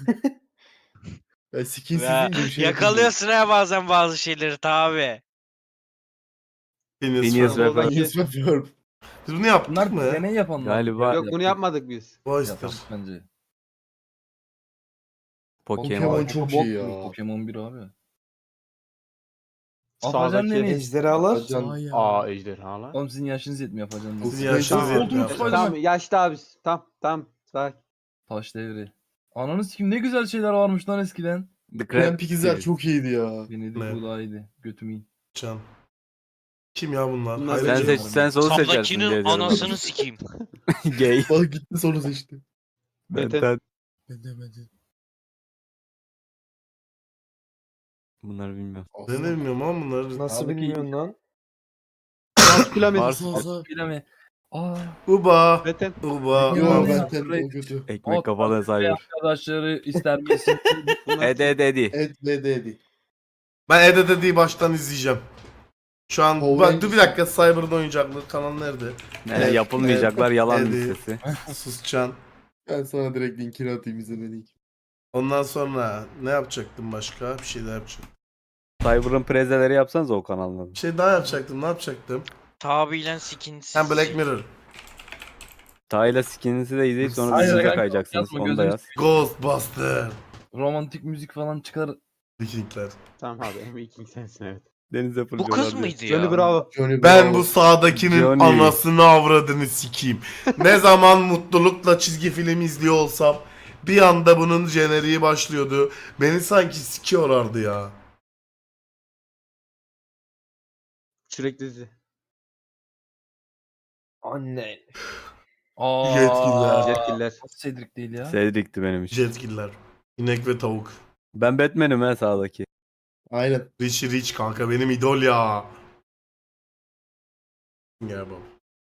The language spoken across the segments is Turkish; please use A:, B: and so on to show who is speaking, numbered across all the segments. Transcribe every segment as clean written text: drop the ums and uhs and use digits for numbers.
A: Ya skinsiz
B: Ya,
A: deyince bir şey
B: yakalıyorsun ha bazen bazı şeyleri tabi.
C: Phineas ve Ferb.
A: Yes Ferb.
C: Biz bunu yaptık
D: Bunlar
C: mı?
D: deney yapanlar.
C: Galiba
E: Yok bunu yapmadık biz.
C: Oyster.
D: Yaptık bence.
A: Pokemon çok iyi ya.
D: Pokemon 1 abi.
E: Sağdaki
D: Afacan deneyiz.
E: ejderhalar.
A: Afacan-
E: Aa ejderhalar.
D: Oğlum sizin yaşınız yetmiyor Afacan
A: Bu
D: deneyiz.
C: Sizin yaşınız
A: Spencer
C: yetmiyor.
D: Ultimate
C: Afacan.
D: Spider-Man.
E: Tamam yaşlı abi. Tamam. Sakin.
D: Taş devri. Ananı sikim ne güzel şeyler varmış lan eskiden.
C: The
A: Krem ikizler çok iyiydi ya.
D: Beni
C: Ne?
D: de bu daha iyiydi. Götümü iyi.
C: Can. Kim ya bunlar?
E: Bunlar
C: Hayır,
D: Sen
C: Can.
D: seç-
C: Bunlar.
D: sen
C: Soru seçersin diye
B: Sağdakinin
C: diyorum.
B: anasını sikeyim.
C: Gay.
A: Bak gitti sonra seçti.
C: Benden.
A: Ben de.
C: Bunları bilmiyorum.
A: Aslan.
C: Ben de bilmiyorum ama bunları.
E: Nasıl
D: Sağdaki-
E: bilmiyorsun lan? Maskülen
A: Aslan.
D: Bileme. Aa.
C: Uba.
E: Beten.
C: Uba.
A: Yo
D: Uba.
A: ben ten o kötü.
C: Ekmek kafalı sayılır.
D: Arkadaşları ister misin?
C: Edi.
A: Et ve dedi.
C: Ben Ede'yi baştan izleyeceğim. Şu an
A: Power
C: bak dur bir
A: Rangers.
C: dakika Cyber'ın oyuncaklığı kanal nerede?
F: Ne yapılmayacaklar yalan
C: Eddie.
F: listesi.
C: Suscan.
A: Ben sana direkt linkini atayım izlemeni.
C: Ondan sonra ne yapacaktım başka? Bir şey daha yapacaktım.
F: Cyber'ın prezeleri yapsanız o kanalın.
C: Bir şey daha yapacaktım. Ne yapacaktım?
B: Tabiyle skinsiz.
C: Hem Black Mirror.
F: Tayla skininizi de izleyip sonra
D: Hayır,
F: dizide
D: hayır,
F: kayacaksınız.
D: yapma,
F: Onu da
D: gözünü
F: yaz.
C: Ghostbuster.
D: Romantik müzik falan çıkar.
C: Vikingler.
E: Tamam abi en iyi king sensin evet.
F: Denize
B: Bu
F: fırlıyorlar
B: kız
F: diyor.
B: mıydı ya?
E: Johnny Bravo.
A: Johnny
C: Ben
A: Bravo.
C: bu sağdakinin
F: Johnny.
C: anasını avradını sikeyim. Ne zaman mutlulukla çizgi film izliyor olsam bir anda bunun jeneriği başlıyordu. Beni sanki sikiyorlardı ya.
E: Sürekli dizi. Anne.
D: Aa.
C: Yetkililer.
E: Yetkililer.
D: Nasıl Cedric değil ya?
F: Cedric'ti benim için.
C: Jetgiller. İnek ve tavuk.
F: Ben Batman'im ha sağdaki.
A: Aynen.
C: Richie Rich kanka benim idol ya. Gel bak.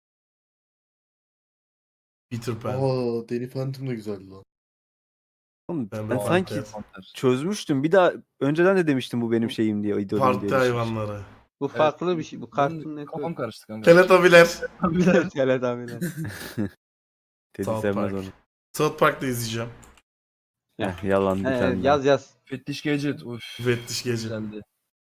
C: Peter Pan.
A: Aa Danny Phantom da güzeldi lan.
F: Oğlum,
C: Ben
F: ben
C: de
F: sanki
C: Panter.
F: çözmüştüm. Bir daha önceden de demiştim bu benim şeyim diye. idolüm
C: Parti
F: diye.
C: hayvanları.
E: Bu farklı bir şey. Bu Cartoon
D: Benim
E: Network.
D: Kafam karıştı kanka.
C: Teletabiler.
E: Evet abiler.
F: Teddy
C: South
F: sevmez
C: Park.
F: onu.
C: South Park'ta izleyeceğim.
F: Heh, yalan bir tane.
E: Yaz.
D: Fettiş Gadget. Uf.
C: Müfettiş gece.
D: Güzeldi.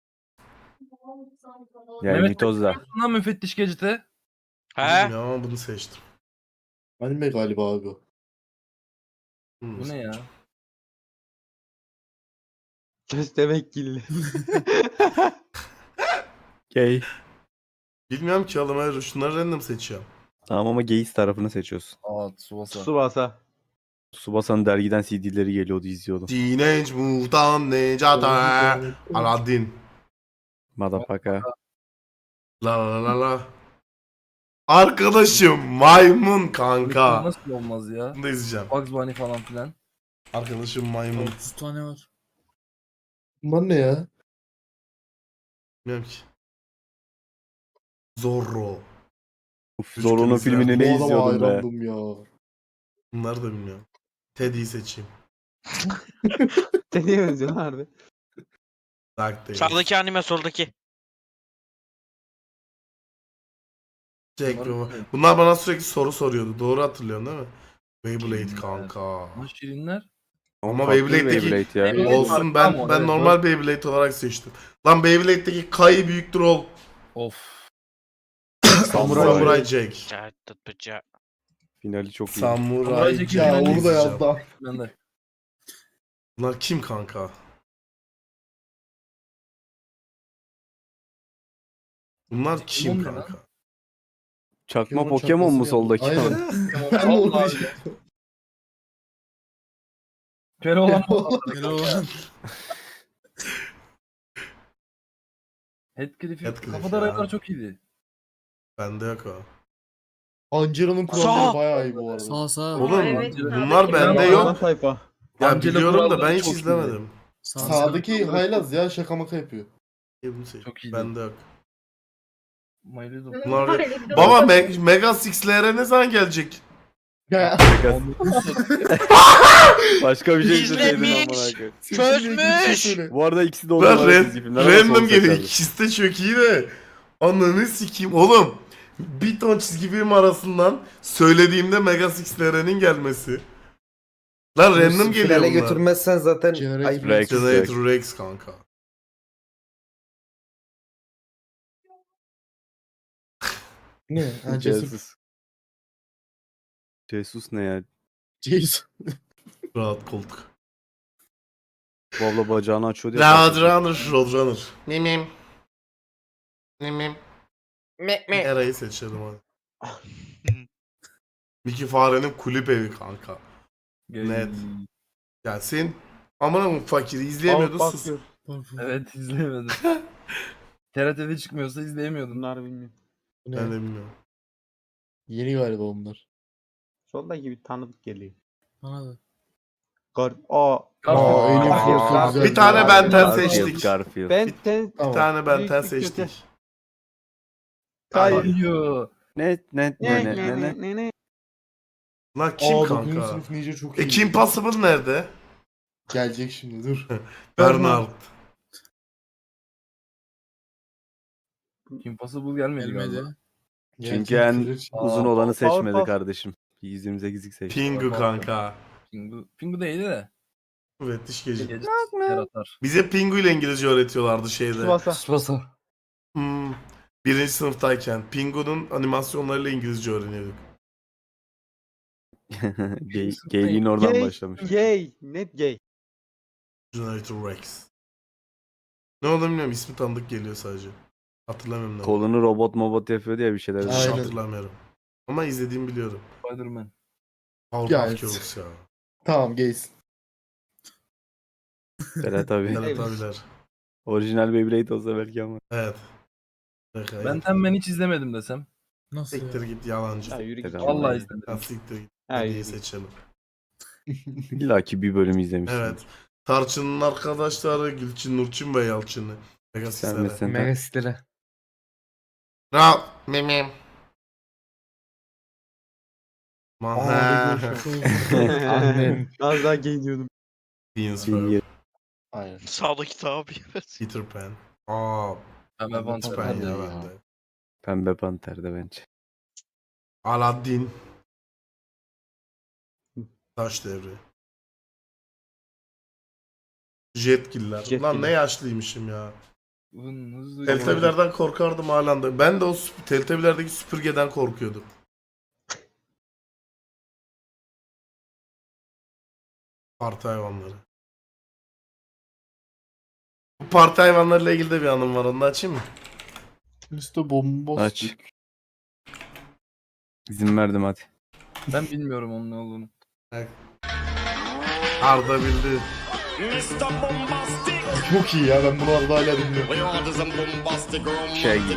F: Yani
D: Mehmet
F: mitozda.
D: Lan müfettiş Gadget'e.
B: He?
C: Bilmiyorum ama bunu seçtim.
A: Anime galiba abi.
D: Bu ne ya?
E: Köstebek gilli.
F: Gay.
C: Bilmiyorum ki oğlum hayır şunları random seçiyorum.
F: Tamam ama gays tarafını seçiyorsun.
D: Aa Tsubasa.
E: Tsubasa.
F: Tsubasa'nın dergiden CD'leri geliyordu izliyordum.
C: Teenage Mutant Ninja Turtles. Aladdin.
F: Motherfucker.
C: La la la la. Arkadaşım maymun kanka.
D: Nasıl olmaz ya?
C: Bunu da izleyeceğim.
D: Bugs Bunny falan filan.
C: Arkadaşım maymun.
G: 30 tane var.
A: Bunlar ne ya?
C: Bilmiyorum ki. Zorro.
F: Uf, Zorro'nun filmini ne
A: Bu adama
F: izliyordum be.
A: hayrandım ya.
C: Bunları da bilmiyorum. Teddy'yi seçeyim.
E: Deniye benziyor harbi.
C: Dark Days.
B: Sağdaki anime soldaki.
C: Jack Baba. Bunlar bana sürekli soru soruyordu. Doğru hatırlıyorsun değil mi? Beyblade kanka.
D: Ama Şirinler.
C: Ama
F: Farklı bir
C: Beyblade'deki
F: Beyblade ya.
D: Beyblade
C: olsun
D: var,
C: ben
D: tamam,
C: ben
D: evet,
C: normal Beyblade olarak seçtim. Lan Beyblade'deki Kai büyüktür ol.
D: Of.
C: Samurai Jack.
F: Finali çok iyi.
C: Samurai
D: Samurai
C: Jack.
D: Jack'i
A: Ya
D: ben de
A: onu da yazdı.
D: Ben de.
C: Bunlar kim kanka? Bunlar kim
D: Pokemon ne lan?
C: kanka?
F: Çakma Pokemon mu
A: çakması
F: soldaki?
A: yaptı. Aynen. Ben de onu
D: Allah
A: diyecektim.
D: Kere olan
G: Keloğlan.
D: Heathcliff'in
C: Heathcliff
D: kafada
C: ya.
D: raylar çok iyiydi.
C: Bende yok o.
A: Angela'nın
B: Sağ.
A: kuralları bayağı iyi bu arada.
G: Sağ sağ.
C: Oğlum
H: evet,
C: bunlar
H: sağdaki
C: bende
D: ben-
C: yok.
E: Sayfa.
C: Ya
D: Angela
C: biliyorum da ben
D: Kuralları
C: hiç
D: çok iyi.
C: izlemedim.
A: Sağdaki haylaz ya şaka maka yapıyor.
C: Bunu seç.
D: Çok iyiydi.
C: Bende yok.
D: My Little
C: Bunlar yok.
H: Öyle bir de
C: Baba
H: olsa-
C: Mega Six'lere ne zaman gelecek?
A: Ya.
F: Başka bir şey
B: İzlemiş.
F: izleseydin amına koyayım.
B: Çözmüş.
F: Bu arada ikisi de
C: Ben
F: onlarla çizgi filmler ama
C: random
F: son
C: geliyor.
F: seferdi.
C: İkisi de çok iyi de. Ananı sikeyim. Oğlum bir ton çizgi film arasından söylediğimde Mega Six'lerenin gelmesi. Lan random geliyor
G: Finale
C: bunlar.
G: götürmezsen zaten
A: Generator
G: ayıp.
F: Rex.
C: Generator Rex kanka.
A: Ne? Ha, Cesur.
F: Jesus. Jesus ne ya?
A: Jason.
C: Rahat koltuk.
F: Bu abla bacağını açıyor diye.
C: Roadrunner. Mimim. Mimim. Eray'ı seçelim hadi. Mickey Fare'nin kulüp evi kanka. Net. Gelsin. Aman fakiri izleyemiyordun
E: Bak,
C: sus.
E: bakıyor.
D: Evet izleyemedim. TRT'de çıkmıyorsa izleyemiyordum.
E: Bunlar bilmiyorum.
A: Bu ne?
C: Ben de bilmiyorum.
A: Yeni galiba onlar.
E: Soldaki bir tanıdık geliyor.
A: Bana da.
E: Aa.
A: Aa, Alien
E: Garfield,
A: Force'u
E: Garfield.
A: güzel.
C: Bir tane Benten
F: Garfield,
C: seçtik.
F: Garfield.
E: Ben
C: Bir
A: Tamam.
C: tane Benten
E: Büyük bir kötü.
C: seçtik.
E: Hayır.
D: Ayyo.
F: Ne.
E: Ne.
C: Lan kim
A: Aa,
C: kanka?
A: 9. sınıf Ninja çok iyi.
C: Kim Possible nerede?
A: Gelecek şimdi dur.
C: Bernard.
D: Kim Possible gelmedi galiba.
F: Çünkü en
A: Gelecek.
F: uzun olanı seçmedi
E: Powerpuff.
F: kardeşim. 128'lik seçti.
C: Pingu kanka.
D: Pingu değildi de.
C: Evet diş gece.
D: Gece yaratar.
C: Bize Pingu ile İngilizce öğretiyorlardı şeyde.
E: Tsubasa.
A: Spasa.
C: Birinci sınıftayken Pingu'nun animasyonlarıyla İngilizce öğreniyorduk.
F: Gayliğin oradan
E: Gay.
F: başlamış.
E: Gay. Net gay.
C: Generator Rex. Ne olduğunu bilmiyorum. İsmi tanıdık geliyor sadece. Hatırlamıyorum ne olduğunu.
F: Kolunu robot yapıyor diye bir şeyler.
C: Hiç
A: Aynen.
C: hatırlamıyorum. Ama izlediğimi biliyorum.
D: Spider-Man.
C: Powerpuff
A: Evet.
C: Girls ya.
A: Tamam gelsin.
F: Evet tabii.
C: Evet abiler.
F: Orijinal Beyblade olsa belki ama.
C: Evet. Peki,
D: Ben hiç izlemedim desem.
A: Nasıl
C: siktir
A: ya?
C: git yalancı.
E: Ya yürü git.
F: Tamam.
D: Vallahi
C: Ha,
D: izlemedim.
C: siktir git.
E: Ha,
C: Hadi
E: yürü git.
C: seçelim.
F: İlla ki bir bölüm izlemişsin.
C: Evet. Tarçın'ın arkadaşları Gülçin, Nurçin ve Yalçın'ı.
F: Sen
C: Pegasus'lara.
F: misin?
G: Megastilere.
C: Rahat. Mimim.
A: Aa,
C: Maha.
A: Lego Şaka.
G: Annen.
E: Az daha gay diyordum.
C: Beans
F: Bilgi-
A: Aynen.
B: Sağdaki tabi.
C: Peter Pan. Aa.
D: Pembe
C: Peter
D: Panter.
C: Pan ya
A: ya.
C: bende.
F: Pembe Panter'de bence.
C: Aladdin. Taş devri. Jetgiller. Lan
E: Jetgiller.
C: ne yaşlıymışım ya.
D: Hızlı.
C: Teltebilerden korkardım halen de. Ben de o Teltebilerdeki süpürgeden korkuyordum. Parti hayvanları. Bu parti hayvanlarıyla ilgili de bir anım var. Onu da açayım mı?
A: Üstü bomboş.
F: Aç. İzin verdim hadi.
D: Ben bilmiyorum onun ne olduğunu.
C: Arda bildi.
A: Çok iyi ya ben bunu arada hala bilmiyorum.
F: Shaggy.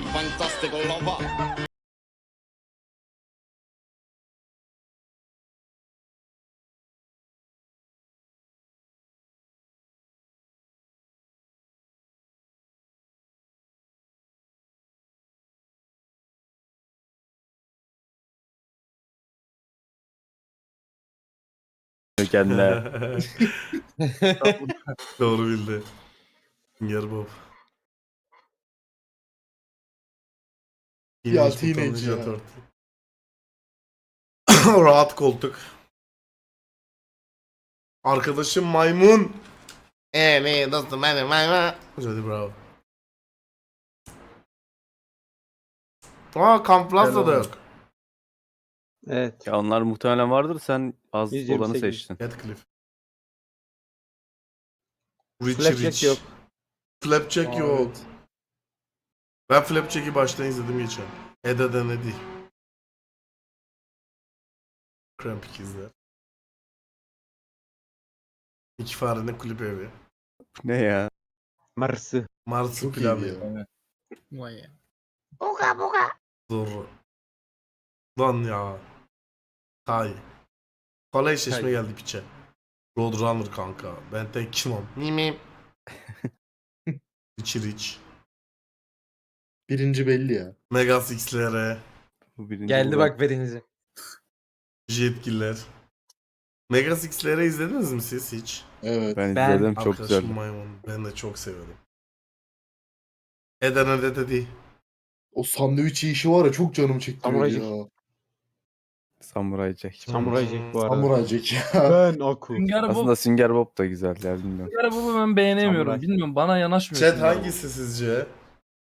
F: Kendine.
C: Doğru bildi. Sünger Bob.
A: Ya,
C: Teenage
A: Teenage
C: Mutant
A: ya.
C: Ninja Turtle. Rahat koltuk. Arkadaşım maymun. Ne dostum benim maymun. Hadi bravo. Aa Camp Plaza'da yok.
E: Evet.
F: Ya onlar muhtemelen vardır. Sen az
E: 128.
F: olanı seçtin.
C: Radcliffe. Richie
E: Flapjack
C: Rich.
E: yok.
C: Flapjack
A: Aa,
C: yok.
A: evet.
C: Ben Flapjack'i baştan izledim geçen. Eda'dan Eddie. Cramp ikizler. İki farenin kulüp evi.
F: Ne ya?
E: Marsı.
A: Çok
C: Marsupilami.
A: iyiydi ya.
D: Evet.
A: Vay ya.
C: Zorro. Lan ya. Tay. Kolay eşleşme
E: Tay.
C: geldi piçe. Roadrunner kanka. Ben tek kimim? Mimim. Richie Rich.
A: Birinci belli ya.
C: Megas XLR.
F: Bu birinci
G: Geldi
F: olan.
G: bak verinize.
C: Jetgiller. Megas XLR izlediniz mi siz hiç?
A: Evet.
F: Ben
E: Ben-
F: izledim çok
C: Arkadaşım
F: güzel.
C: maymun. Ben de çok severim. Eden'e dedi.
A: O sandviç yiyişi var ya çok canım çekti
E: Samuray
A: ya.
F: Samuray Jack.
E: Samuray Jack bu arada.
A: Samuray Jack ya.
E: Ben Aku.
D: Sünger Bob,
F: Aslında Sünger Bob da güzel ya bilmiyorum.
D: Sünger Bob'u ben beğenemiyorum.
E: Samuray.
D: Bilmiyorum, bana yanaşmıyor.
C: Chat
D: Sünger Bob.
C: hangisi sizce?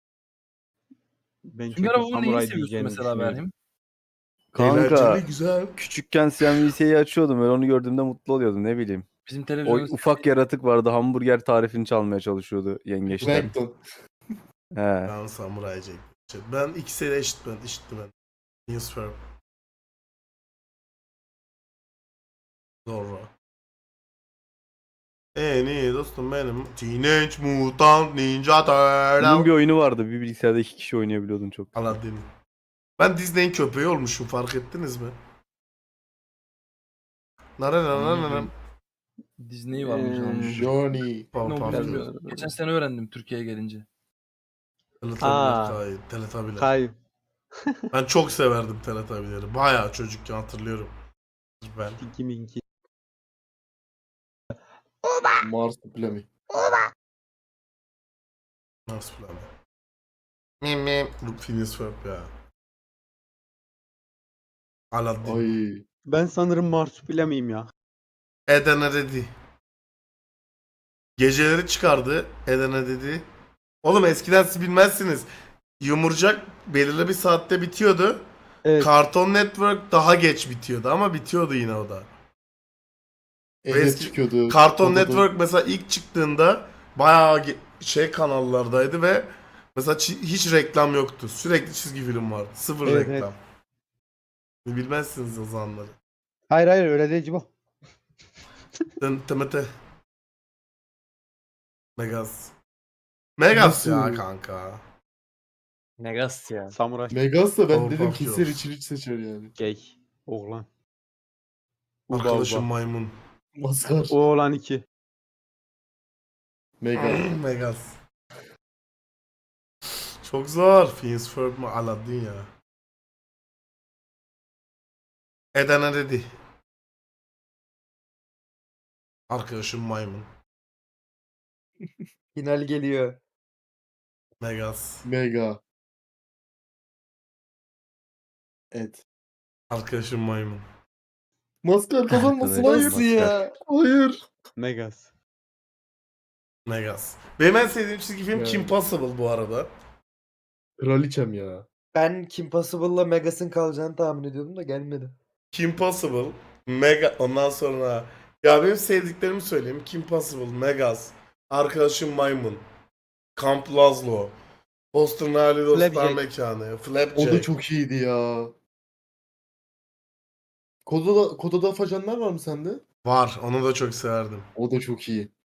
E: Ben
D: Sünger
E: çünkü
D: Bob'un neyini
E: samuray
D: seviyorsun
E: diyeceğini
D: mesela
E: düşünüyorum.
D: Berhim?
F: Kanka
C: Eğlenceli, güzel.
F: küçükken CNBC'yi açıyordum. Ben onu gördüğümde mutlu oluyordum ne bileyim.
D: Bizim
F: O
D: televizyonda
F: ufak yaratık vardı hamburger tarifini çalmaya çalışıyordu yengeçten.
A: Plankton.
F: He.
C: Ben Samuray Jack. Ben ikisi de eşit ben. News Firm. Zorro. En iyi dostum benim. Teenage Mutant Ninja
F: Bunun bir
C: Turtle.
F: oyunu vardı. Bir bilgisayarda 2 kişi oynayabiliyordun çok.
C: Aladdin. Ben Disney'in köpeği olmuşum, fark ettiniz mi? Naranaranam.
D: Disney varmış olmuş.
A: Johnny.
D: Ne olduğunu
C: Pardon.
D: bilmiyorum. Geçen sene öğrendim Türkiye'ye gelince.
C: Teletabiler. Teletabiler.
E: Kay.
C: Ben çok severdim Teletabileri. Bayağı çocukken hatırlıyorum. Ben.
E: Tinky Minky.
A: Marsupilami.
C: Nasıl plan? Mim. Phineas Ferb ya. Aladdin.
A: Ay.
E: Ben sanırım Marsupilamiyim ya.
C: Edena dedi. Geceleri çıkardı. Edena dedi. Oğlum eskiden siz bilmezsiniz. Yumurcak belirli bir saatte bitiyordu.
E: Evet.
C: Cartoon Network daha geç bitiyordu ama bitiyordu yine o da.
A: Evet
C: Eski-
A: çıkıyordu.
C: Cartoon
A: Odada-
C: Network mesela ilk çıktığında bayağı kanallardaydı ve mesela hiç reklam yoktu. Sürekli çizgi film vardı. Sıfır
E: Evet,
C: reklam. Bilmezsiniz o zamanları.
E: Hayır öyle değil bu.
C: Tımıtı. Megas. Megas ya
A: Nasıl?
C: kanka.
B: Megas ya.
E: Samuray.
A: Megas da ben
C: Powerpuff
A: dedim kesin
C: Girls.
A: Richie Rich seçer yani.
E: Gay. Oğlan.
C: Arkadaşım
E: Uba.
C: maymun.
A: Maskar.
E: Oğlan 2.
A: Megas.
C: Megas. Çok zor. Phineas Ferb mi? Aladdin ya. Edena dedi. Arkadaşım maymun.
G: Final geliyor.
C: Megas.
A: Mega. Evet.
C: Arkadaşım maymun.
A: Maskar kazanmasın
F: Arkadaş,
A: hayır.
G: Nasıl ya?
A: Hayır.
E: Megas.
C: Megas. Benim en sevdiğim çizgi film
A: Ya.
C: Kim Possible bu arada.
A: Kraliçem ya.
G: Ben Kim Possible'la Megas'ın kalacağını tahmin ediyordum da gelmedi.
C: Kim Possible, Mega, ondan sonra ya benim sevdiklerimi söyleyeyim. Kim Possible, Megas, Arkadaşım Maymun, Camp Lazlo, Boston Hali Dostlar
E: Flapjack.
C: Mekanı,
A: O
C: Flapjack.
A: da çok iyiydi ya. Kodada afacanlar var mı sende?
C: Var, onu da çok severdim.
A: O da çok iyi.